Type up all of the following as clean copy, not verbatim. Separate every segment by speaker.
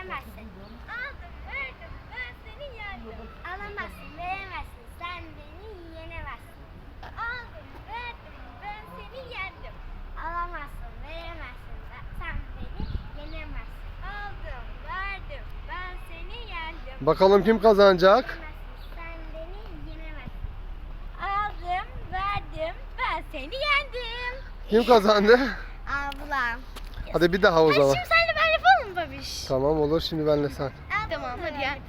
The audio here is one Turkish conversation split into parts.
Speaker 1: yenemezsin. Aldım, verdim, ben seni yendim. Alamazsın, veremezsin, sen beni yenemezsin. Aldım, verdim, ben seni yendim. Alamazsın, veremezsin, sen beni yenemezsin. Aldım, verdim, ben seni yendim.
Speaker 2: Bakalım kim kazanacak?
Speaker 1: Sen beni yenemezsin. Aldım, verdim, ben seni yendim.
Speaker 2: Kim kazandı?
Speaker 1: Ablam.
Speaker 2: Hadi bir daha o zaman.
Speaker 1: Şimdi senle ben yapalım mı babiş?
Speaker 2: Tamam olur, şimdi benle sen.
Speaker 1: Tamam hadi gel.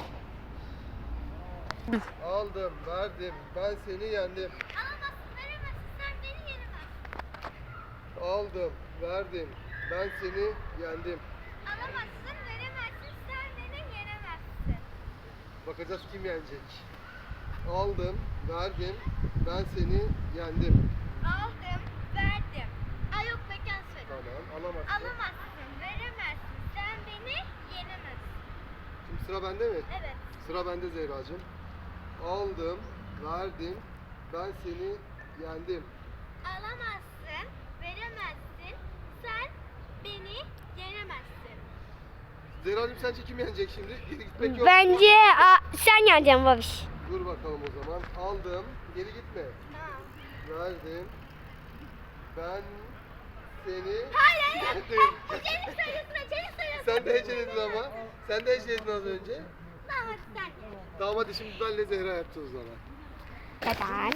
Speaker 2: Aldım, verdim, ben seni yendim.
Speaker 1: Alamazsın, veremezsin, sen beni yenemezsin.
Speaker 2: Aldım, verdim, ben seni yendim.
Speaker 1: Alamazsın, veremezsin, sen beni yenemezsin.
Speaker 2: Bakacağız kim yenecek. Aldım, verdim, ben seni yendim.
Speaker 1: Aldım, verdim. Ay yok mekan söyle.
Speaker 2: Tamam, alamazsın.
Speaker 1: Alamazsın, veremezsin, sen beni yenemezsin.
Speaker 2: Şimdi sıra bende mi?
Speaker 1: Evet.
Speaker 2: Sıra bende Zehracığım. Aldım, verdim, ben seni yendim.
Speaker 1: Alamazsın, veremezsin, sen beni yenemezsin.
Speaker 2: Zehracığım sence kim yenecek şimdi? Geri gitmek yok.
Speaker 3: Bence sen yeneceksin babiş.
Speaker 2: Dur bakalım o zaman. Aldım, geri gitme.
Speaker 1: Tamam.
Speaker 2: Verdim, ben seni
Speaker 1: Hayır.
Speaker 2: yendim.
Speaker 1: Çelik sayıyorsun, çelik sayıyorsun.
Speaker 2: Sen de heceledin ama. Sen de heceledin az önce.
Speaker 1: Tamam hadi sen ye.
Speaker 2: Tamam hadi şimdi benle Zehra yapacağız o zaman.
Speaker 3: Neden?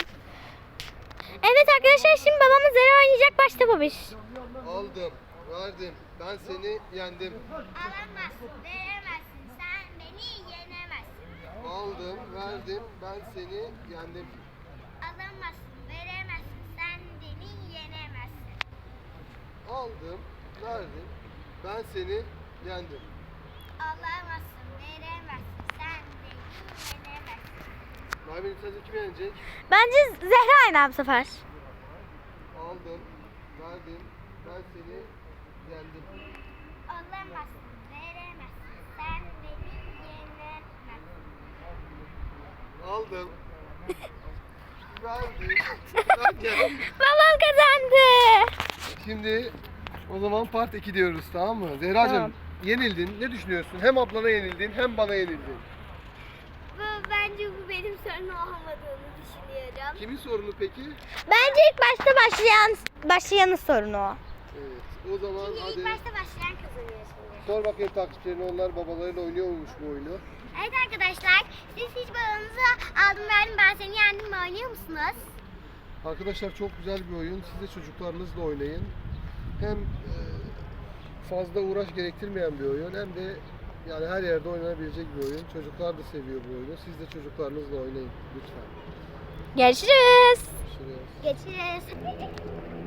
Speaker 3: Evet arkadaşlar, şimdi babamız Zehra oynayacak, başta babiş.
Speaker 2: Aldım, verdim, ben seni yendim.
Speaker 1: Alamazsın, veremezsin, sen beni yenemezsin.
Speaker 2: Aldım, verdim, ben seni yendim.
Speaker 1: Alamazsın, veremezsin, sen beni yenemezsin.
Speaker 2: Aldım, verdim, ben seni yendim.
Speaker 1: Alamazsın, veremezsin, sen beni yenemezsin.
Speaker 2: Nermin sence kim yenecek?
Speaker 3: Bence Zehra yener bu sefer.
Speaker 2: Aldım, verdim, ben seni yendim.
Speaker 1: Alamazsın, veremezsin, sen beni yenemezsin.
Speaker 2: Aldım, verdim, ben yendim.
Speaker 3: Babam kazandı.
Speaker 2: Şimdi o zaman part 2 diyoruz, tamam mı? Zehracığım,
Speaker 3: Tamam.
Speaker 2: yenildin. Ne düşünüyorsun? Hem ablana yenildin hem bana yenildin.
Speaker 1: Bence bu benim sorun olmadığını düşünüyorum.
Speaker 2: Kimin sorunu peki?
Speaker 3: Bence ilk başta başlayanın sorunu o.
Speaker 2: Evet. O zaman
Speaker 1: Çünkü
Speaker 2: hadi
Speaker 1: ilk başta başlayan kazanıyor şimdi.
Speaker 2: sor bakayım takipçilerine, onlar babalarıyla oynuyormuş bu oyunu.
Speaker 1: Evet arkadaşlar, siz hiç babanızı aldım verdim ben seni yendim mi oynuyor musunuz?
Speaker 2: Arkadaşlar çok güzel bir oyun. Siz de çocuklarınızla oynayın. Hem fazla uğraş gerektirmeyen bir oyun hem de yani her yerde oynanabilecek bir oyun. Çocuklar da seviyor bu oyunu. Siz de çocuklarınızla oynayın lütfen.
Speaker 3: Görüşürüz.
Speaker 2: Görüşürüz.
Speaker 1: Geçiriz.